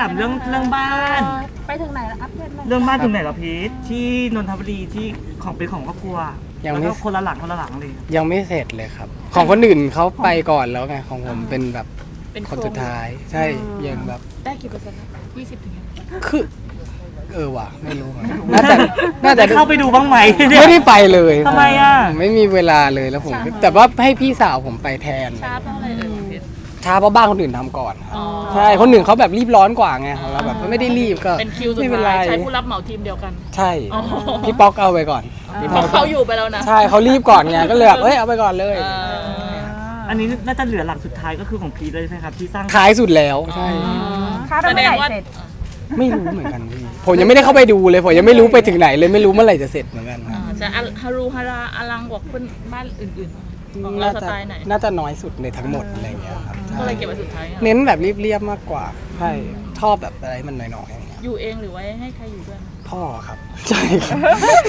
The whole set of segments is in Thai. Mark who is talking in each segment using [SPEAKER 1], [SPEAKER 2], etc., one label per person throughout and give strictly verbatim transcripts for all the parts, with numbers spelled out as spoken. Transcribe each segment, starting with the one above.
[SPEAKER 1] ามเรื่องเรื่องบ้าน
[SPEAKER 2] ไปถึงไหนแล้วอัปเดตหน่อย
[SPEAKER 1] เรื่องบ้านถึงไหนแล้วพีทที่นนทบุรีที่ของเป็นของครอบครัว
[SPEAKER 3] ยังไม่
[SPEAKER 1] แล้วก็คนละหลังคนละหลังเลย
[SPEAKER 3] ยังไม่เสร็จเลยครับ ของคนอื่นเขาไปก่อนแล้วไงของผมเป็นแบบคนสุดท้ายใช่ยังแบบ
[SPEAKER 2] ได้กี่เปอร์เซ็นต์ยี่สิบถึงยัง
[SPEAKER 3] คือเออว่ะไม่รู้น่าจะน่าจะ
[SPEAKER 1] เข้าไปดูบ้างไหม
[SPEAKER 3] ไม่ได้ไปเลย
[SPEAKER 1] ทำไมอ่ะ
[SPEAKER 3] ไม่มีเวลาเลยแล้วผมแต่ว่าให้พี่สาวผมไปแทน
[SPEAKER 2] ช้าเพราะอะไรเอ่ย
[SPEAKER 3] ช้าเพราะบ้านคนอื่นทำก่อนครับ
[SPEAKER 2] อ๋อ
[SPEAKER 3] ใช่คนอื่นเขาแบบรีบร้อนกว่าไงของเราแบบไม่ได้รีบก็
[SPEAKER 2] เป็นคิวสุด
[SPEAKER 3] ไม่เป็นไร
[SPEAKER 2] ท้ายใช้ผู้รับเหมาทีมเดียวกัน
[SPEAKER 3] ใช่
[SPEAKER 2] อ๋อ
[SPEAKER 3] พี่ป๊อกเอาไปก่อนพี่
[SPEAKER 2] เพ
[SPEAKER 3] ป๊อก
[SPEAKER 2] ราะเขาอยู่ไปแล้วนะ
[SPEAKER 3] ใช่เขารีบก่อนไงก็เลยแบบเอ้ยเอาไปก่อนเลย
[SPEAKER 2] เออ
[SPEAKER 1] อันนี้น่าจะเหลือหลังสุดท้ายก็คือของพีทเลยใช่ไหมครับที่สร้าง
[SPEAKER 3] ท้ายสุดแล้วใช่
[SPEAKER 2] คาดว่าเมื่อไหร่เสร็จ
[SPEAKER 3] ไม่รู้เหมือนกันพี่ผมยังไม่ได้เข้าไปดูเลยผมยังไม่รู้ไปถึงไหนเลยไม่รู้เมื่อไหร่จะเสร็จเหมือนกัน
[SPEAKER 2] อ่าจะฮารุฮาราอลังกว่าคนบ้านอื่นๆของเรา
[SPEAKER 3] น่า
[SPEAKER 2] ส
[SPEAKER 3] จะ
[SPEAKER 2] ไตล์ไหน
[SPEAKER 3] น่าจะน้อยสุดในทั้งหมดอะไรอย่างเงี้ยครับใช่
[SPEAKER 2] ก็เลยเก็บไว้สุดท้ายอะ
[SPEAKER 3] เน้นแบบเรียบๆมากกว่าใช่ชอบแบบอะไรมันน้อยๆอย่างเงี้ย
[SPEAKER 2] อยู่เองหรือไว้ให้ใครอยู่ด้วย
[SPEAKER 3] พ่อครับใช่ครับ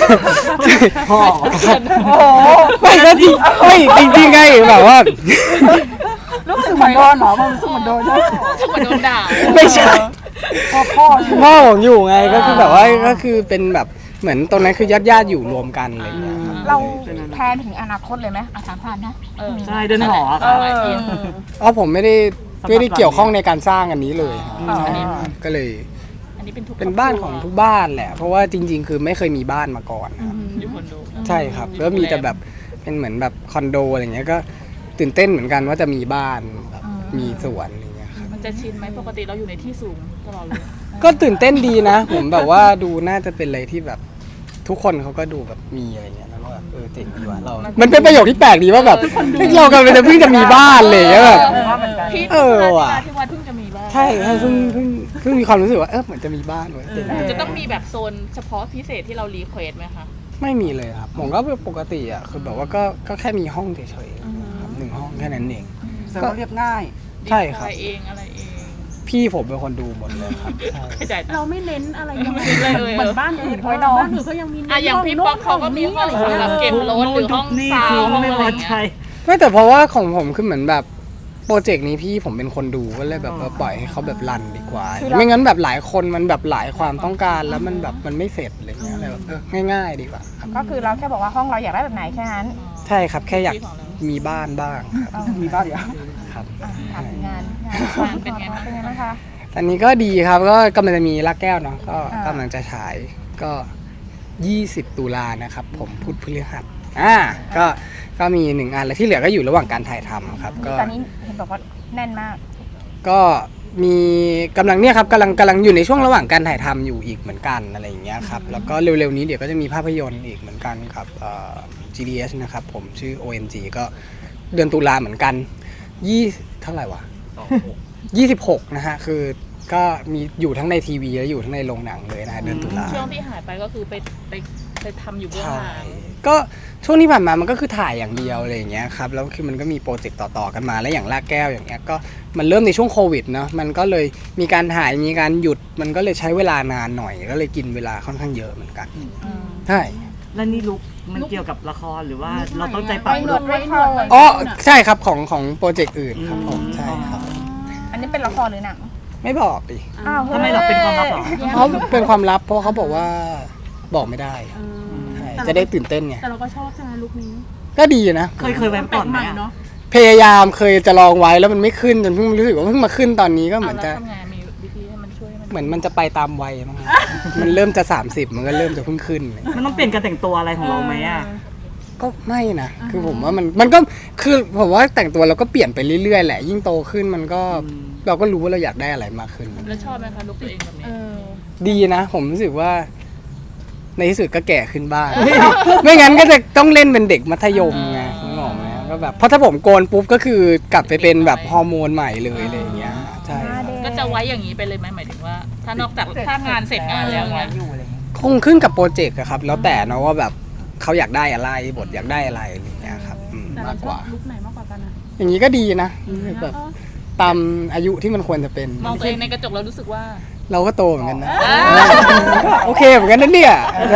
[SPEAKER 1] พ่อ
[SPEAKER 3] ไม่ก็จริงไม่จริงๆไงแบบว่า
[SPEAKER 4] รู้สึกเหมือนโดนเหรอมันรู้สึกเหมือนโดนใช่ไหม
[SPEAKER 2] ถ้าเหมือนโดนด่า
[SPEAKER 3] ไม่ใช่
[SPEAKER 4] พ่อพ่อใช่ไหม
[SPEAKER 3] พ่อผมอยู่ไงก็คือแบบว่าก็คือเป็นแบบเหมือนตรงนั้นคือญาติญาติๆอยู่รวมกันอะไรอย่างเงี้ยครับ
[SPEAKER 4] เราแพลนถึงอนาคตเลยไหมอ่ะถามผ่านนะ
[SPEAKER 2] เออ
[SPEAKER 1] ใช่เดินหอ
[SPEAKER 2] เอ
[SPEAKER 1] ค่ะ
[SPEAKER 2] อ
[SPEAKER 3] อ๋อผมไม่ได้
[SPEAKER 1] สำหรับ
[SPEAKER 3] ไม่ได้เกี่ยวข้องในการสร้างอันนี้เลยครับ
[SPEAKER 4] อ๋อ
[SPEAKER 3] ใช่ก็เลย
[SPEAKER 2] อันนี้เป็นทุก
[SPEAKER 3] เป็นบ้านของทุกบ้านแหละ เพราะว่าจริง ๆ คือไม่เคยมีบ้านมาก่อนครับ
[SPEAKER 2] อยู่คอนโด
[SPEAKER 3] ใช่ครับแล้วมีแต่แบบเป็นเหมือนแบบคอนโดอะไรเงี้ยก็ตื่นเต้นเหมือนกันว่าจะมีบ้านแบบมีสวนอะไรเงี้ยครับ
[SPEAKER 2] มันจะชินไหมปกติเราอยู่ในที่สูงตลอดเลย
[SPEAKER 3] ก็ตื่นเต้นดีนะ ผมแบบว่าดูน่าจะเป็นอะไรที่แบบทุกคนเขาก็ดูแบบมีอะไรเงี้ยแล้วก็แบบเออเจ๋งดีว่ะเรา มันเป็นประโยคที่แปลกดีว่าแบบเฮ้ยเรากำลังจะเพิ่งจะมีบ้านเลยแบบ
[SPEAKER 2] พี่
[SPEAKER 3] เออว่ะ
[SPEAKER 2] ที่ว่าเพิ่งจะมีบ้าน
[SPEAKER 3] ใช่ใช่เพิ่งเพิ่งเพิ่งมีความรู้สึกว่าเออเหมือนจะมีบ้านเว้ยเจ๋งดี
[SPEAKER 2] จะต้องมีแบบโซนเฉพาะพิเศษที่เรารีเควสไหมคะ
[SPEAKER 3] ไม่มีเลยครับผมก็ปกติอ่ะคือแบบว่าก็ก็แค่มีห้องเฉยๆครับหนึ่งห้องแค่นั้นเอง
[SPEAKER 4] แสดงว่าเรียบง่าย
[SPEAKER 3] ใช่ครับ
[SPEAKER 2] อะไรเองอะไรเอง
[SPEAKER 3] พี่ผมเป็นคนดูหมดเลยครับใช่
[SPEAKER 2] เข้าใจ
[SPEAKER 5] เราไม่เน้นอะไรยังไง
[SPEAKER 2] เลยเลย
[SPEAKER 5] เหมือนบ้านอื่น
[SPEAKER 4] ไว้นอน
[SPEAKER 5] บ้านอื่นเขายังมี
[SPEAKER 2] อ่ะอย่างพี่ป๊อกเขาก็มีห้องสำหรับเก็บรถหรือห้อง
[SPEAKER 1] นี่
[SPEAKER 2] ซา
[SPEAKER 1] คือ
[SPEAKER 2] วห้อง
[SPEAKER 1] ไม่
[SPEAKER 2] อะไร
[SPEAKER 1] พอ
[SPEAKER 2] อย่าง
[SPEAKER 1] ใจ
[SPEAKER 2] เงี้ย
[SPEAKER 3] ไม่แต่เพราะว่าของผมคือเหมือนแบบโปรเจกต์นี้พี่ผมเป็นคนดูก็เลยแบบเออปล่อยให้เขาแบบรันดีกว่า ไม่งั้นแบบหลายคนมันแบบหลายความต้องการแล้วมันแบบมันไม่เสร็จอะไรเงี้ยเลยแบบเออง่ายๆดีกว่าครับ
[SPEAKER 4] ก็คือเราแค่บอกว่าห้องเราอยากได้แบบไหนแค่นั้น
[SPEAKER 3] ใช่ครับแค่อยากมีบ้านบ้างครับ
[SPEAKER 4] เอามีบ้านเดียว
[SPEAKER 3] ครับ
[SPEAKER 4] อ่ะถามถึงงานงาน
[SPEAKER 2] งานเป็นไงบ้าง
[SPEAKER 4] เป็นไงบ้างคะ
[SPEAKER 3] ตอนนี้ก็ดีครับก็กำลังจะมีรักแก้วเนาะก็
[SPEAKER 4] อ่าก
[SPEAKER 3] ำลังจะฉายก็ยี่สิบตุลานะครับผมพุธพฤหัสอ่าก็ก็มีหนึ่งอันแล้วที่เหลือก็อยู่ระหว่างการถ่ายทำครับก็
[SPEAKER 4] ตอนนี้เห็นบอกว่าแน่นมาก
[SPEAKER 3] ก็มีกำลังเนี่ยครับกำลังกำลังอยู่ในช่วงระหว่างการถ่ายทำอยู่อีกเหมือนกันอะไรอย่างเงี้ยครับแล้วก็เร็วๆนี้เดี๋ยวก็จะมีภาพยนตร์อีกเหมือนกันครับเอ่อ จี ดี เอส นะครับผมชื่อ โอ เอ็ม จี ก็เดือนตุลาเหมือนกันยี่เท่าไหร่วะยี่สิบหกนะฮะคือก็มีอยู่ทั้งในทีวีและอยู่ทั้งในโรงหนังเลยนะฮะเดือนตุลา
[SPEAKER 2] ช่วงที่หายไปก็คือไปไปไปทำอยู่เบื้องห
[SPEAKER 3] ใช่
[SPEAKER 2] ลัง
[SPEAKER 3] ก็ช่วงที่ผ่านมามันก็คือถ่ายอย่างเดียวอะไรอย่างเงี้ยครับแล้วคือมันก็มีโปรเจกต์ต่อๆกันมาแล้วอย่างลากแก้วอย่างเงี้ยก็มันเริ่มในช่วงโควิดเนาะมันก็เลยมีการถ่ายมีการหยุดมันก็เลยใช้เวลานานหน่อยก็เลยกินเวลาค่อนข้างเยอะเหมือนกันใช่
[SPEAKER 1] แล้วนี่ลุกมันเกี่ยวกับละครหรือว่าเราต้องใจปรับ
[SPEAKER 4] ไว้หน
[SPEAKER 1] ลุ
[SPEAKER 4] วด
[SPEAKER 1] ก
[SPEAKER 4] ไว้คอ
[SPEAKER 3] อ๋อใช่ครับของของโปรเจกต์อื่นครับผมใช่ครับ
[SPEAKER 4] อันนี้เป็นละครหรือหนัง
[SPEAKER 3] ไม่บอกดิ
[SPEAKER 4] อ้าว
[SPEAKER 1] ทำไมเราเป็นความลับเหรอ
[SPEAKER 3] เขาเป็นความลับเพราะเขาบอกว่าบอกไม่ได้ใช่จะได้ตื่นเต้นไง
[SPEAKER 5] แต่เราก็ชอบใช่ไหมลุคนี้
[SPEAKER 3] ก็ดีนะ
[SPEAKER 1] เคยเคยแวะ
[SPEAKER 5] แปล
[SPEAKER 1] ก่อก น
[SPEAKER 5] ให
[SPEAKER 1] ไหม
[SPEAKER 5] ม่
[SPEAKER 1] อะ
[SPEAKER 5] เนาะ
[SPEAKER 3] พยายามเคยจะลองไว้แล้วมันไม่ขึ้นจนเพิ่งรู้สึกว่าเพิ่งมาขึ้นตอนนี้ก็เหมือน
[SPEAKER 2] เอา
[SPEAKER 3] จะ
[SPEAKER 2] แล้วทำไงมีวิธีให้มันช่วยให้มัน
[SPEAKER 3] เหมือนมันจะไปตามวัยมั้งครับมันเริ่มจะสามสิบมันก็เริ่มจะเพิ่งขึ้นเลย
[SPEAKER 1] มันต้องเปลี่ยนการแต่งตัวอะไรของเราไหมอ่ะ
[SPEAKER 3] ก็ไม่นะคือผมว่ามันมันก็คือผมว่าแต่งตัวเราก็เปลี่ยนไปเรื่อยๆแหละยิ่งโตขึ้นมันก็เราก็รู้ว่าเราอยากได้อะไรมากขึ้น
[SPEAKER 2] แล้วชอบไหมคะลุกตัวเองแบบนี้
[SPEAKER 3] ดีนะผมรู้สึกว่า ในที่สุดก็แก่ขึ้นบ้าง ไม่งั้นก็จะต้องเล่นเป็นเด็กมัธยมไงนึกออกไหมก็แบบเพราะถ้าผมโกนปุ๊บก็คือกลับไปเป็นแบบฮอร์โมนใหม่เลยอะไรอย่างเงี้ยใช่ครับ
[SPEAKER 2] ก็จะไว้อย่างนี้ไปเลยไหมหมายถึงว่า ถ้านอกจากถ้างานเสร็จงานแล้วเนี่ย
[SPEAKER 3] คงขึ้นกับโปรเจกต์อะครับ แล้วแต่เนาะว่าแบบเขาอยากได้อะไรบทอยากได้อะไรอะไรอย่างเงี้ยครับอืม
[SPEAKER 5] แต่
[SPEAKER 3] มา
[SPEAKER 5] เรา
[SPEAKER 3] ก
[SPEAKER 5] ช
[SPEAKER 3] ก
[SPEAKER 5] อบ
[SPEAKER 3] ว่า
[SPEAKER 5] ลุคไหนมากกว่ากันอ่ะ
[SPEAKER 3] อย่างนี้ก็ดีนะแบบตามอายุที่มันควรจะเป็น
[SPEAKER 2] มองตัวเองในกระจกแล้วรู้สึกว่า
[SPEAKER 3] เราก็โตเหมือนกันนะ
[SPEAKER 2] อ่า
[SPEAKER 3] โอเคเหมือนกันนะเนี่ยใช่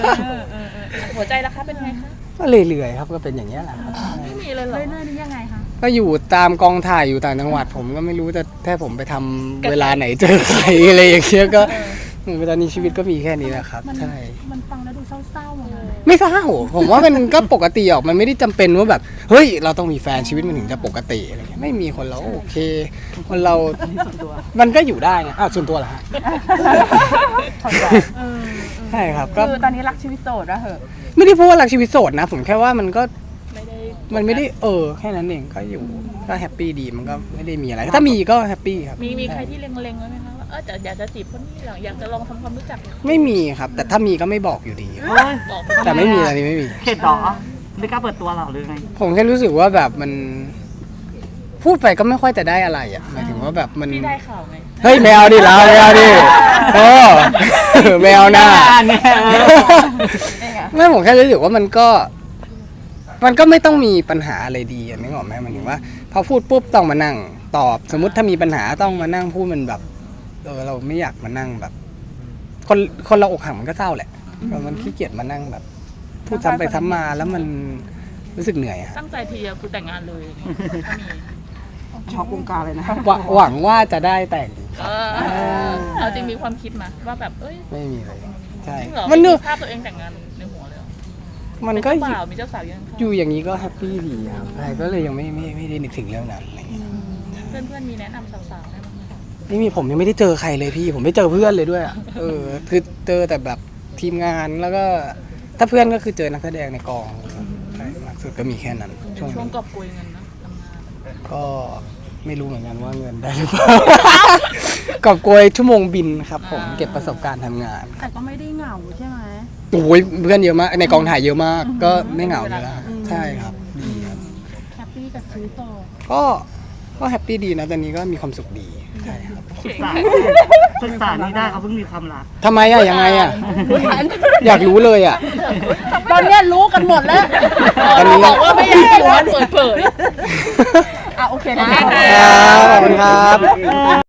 [SPEAKER 2] หัวใจราคาเป็นไงคะ
[SPEAKER 3] ก็เรื่อยๆครับก็เป็นอย่างเงี้ยแหละครับ
[SPEAKER 2] ไม่มีเลยเหรอ
[SPEAKER 5] เรื่อยๆนี่ยังไงคะ
[SPEAKER 3] ก็อยู่ตามกองถ่ายอยู่ต่างจังหวัดผมก็ไม่รู้จะแค่ผมไปทำเวลาไหนเจอใครอะไรอย่างเงี้ยก็ตอนนี้ชีวิตก็มีแค่นี้แหละครับ
[SPEAKER 5] มัน
[SPEAKER 3] ใช่
[SPEAKER 5] มันฟังแล้วดูเศร้าๆเหมือนกัน
[SPEAKER 3] ไม่เศร้าผมว่ามันก็ปกติออกมันไม่ได้จำเป็นว่าแบบเฮ้ยเราต้องมีแฟนชีวิตมันถึงจะปกติอะไรเงี้ยไม่มีคนเราโอเคคนเรามันก็อยู่ได้นะอ้าวส่วนตัวเหรอฮะ
[SPEAKER 4] เข้าใจ
[SPEAKER 5] เออ
[SPEAKER 3] ใช่ครับก็
[SPEAKER 4] คือตอนนี้รักชีวิตโสดแล้วเหอะ
[SPEAKER 3] ไม่ได้พูดว่ารักชีวิตโสดนะ ผมแค่ว่ามันก็
[SPEAKER 2] ไม่ได้
[SPEAKER 3] มันไม่ได้เออแค่นั้นเองก็อยู่ก็แฮปปี้ดีมันก็ไม่ได้มีอะไรถ้ามีก็แฮปปี้ครับ
[SPEAKER 2] มีมีใครที่เล็งๆไว้ไหมคะว่าเออจะอยากจะจีบคนนี้หรออยากจะลองทำความรู้จัก
[SPEAKER 3] ไม่มีครับ แต่ถ้ามีก็ไม่บอกอยู่ดี
[SPEAKER 1] โอ้ย
[SPEAKER 2] บอก
[SPEAKER 3] แต่ไม่มีอะไรนี้ไม่มี
[SPEAKER 1] เข็ดเหรอไม่กล้าเปิดตัวเหรอหรือไง
[SPEAKER 3] ผมแค่รู้สึกว่าแบบมัน พูดไปก็ไม่ค่อยจะได้อะไรอ่ะหมายถึงว่าแบบมัน
[SPEAKER 2] พี่ได้ข่าวไง
[SPEAKER 3] เฮ้ยแมวดิเราแมวดิโอ้แมวหน้า
[SPEAKER 1] เนี่ย
[SPEAKER 3] ไม่ผมแค่รู้สึกว่ามันก็ มันก็ไม่ต้องมีปัญหาอะไรดีอ่ะนึกออกไหมหมายถึงว่าพอพูดปุ๊บต้องมานั่ง ตอบสมมติถ้ามีปัญหาต้องมานั่งพูดมันแบบเออเราไม่อยากมานั่งแบบ คนคนเราอกหักมันก็เศร้าแหละแต่มันขี้เกียจมานั่งแบบ พูดซ้ำไปซ้ำมาแล้วมันรู้สึกเหนื่อยอะ
[SPEAKER 2] ตั้งใจทีเดียวคือแต่งงานเลยถ้ามี
[SPEAKER 4] ช็อกวงการเลยนะ
[SPEAKER 3] หวังหวังว่าจะได้แต่ง
[SPEAKER 2] เออเอาจริงมีความคิดมาว่าแบบเอ้ย
[SPEAKER 3] ไม่มีเลยใช่
[SPEAKER 2] จริงเหรอ
[SPEAKER 3] มันเน
[SPEAKER 2] มี
[SPEAKER 3] อะ
[SPEAKER 2] ภาพตัวเองแต่งงานในหัวเลยเหรอ
[SPEAKER 3] มันก็
[SPEAKER 2] เป็น
[SPEAKER 3] อ
[SPEAKER 2] เจ้า
[SPEAKER 3] ยู่
[SPEAKER 2] บ่าวมีเจ้าสาวยังคะ
[SPEAKER 3] อยู่อย่างนี้ก็แฮปปี้ดีครับใช่ก็เลยยังไม่ไม่ไม่ได้นึกถึงเรื่องนั้นอะไรเงี้ย
[SPEAKER 2] เพื่อนเพื่อนๆมีแนะนำสาวๆได้ไหมคะ
[SPEAKER 3] ไม่มีผมยังไม่ได้เจอใครเลยพี่ ผมไม่เจอเพื่อนเลยด้วยอะเออคือเจอแต่แบบทีมงานแล้วก็ ถ้าเพื่อนก็คือเจอนักแสดงในกองใช่มากสุดก็มีแค่นั้นช่วง
[SPEAKER 2] ช่วง
[SPEAKER 3] นี้
[SPEAKER 2] กอบโกยเงินนะทำงาน
[SPEAKER 3] ก็ไม่รู้เหมือนกันว่าเงินได้หรือเปล่ากอบโกยชั่วโมงบินครับ ผมเก็บประสบการณ์ทำงาน
[SPEAKER 5] แต่ก็ไม่ได้เหงาใช่ไหม
[SPEAKER 3] โอ้ยเพื่อนเยอะมากในกองถ่ายเยอะมาก ก็ไม่เหงาเลยละใช่ครับดีครับ
[SPEAKER 5] แฮปปี้กับชีวิตต่อ
[SPEAKER 3] ก็ก็แฮปปี้ดีนะตอนนี้ก็มีความสุขดีใช่ครับ
[SPEAKER 1] ศึกษาศึกษานี่ได้เขาเพิ่งมีความรัก
[SPEAKER 3] ทำไมอะยังไงอะอยากรู้เลยอะ
[SPEAKER 5] ตอนเนี้ยรู้กันหมดแล้ว
[SPEAKER 3] ตอนนี้
[SPEAKER 2] บอกว่าไม่อยากให้ร้อนเปิดเผย
[SPEAKER 4] อ่ะโอเคนะ
[SPEAKER 3] ครับขอบคุณครับ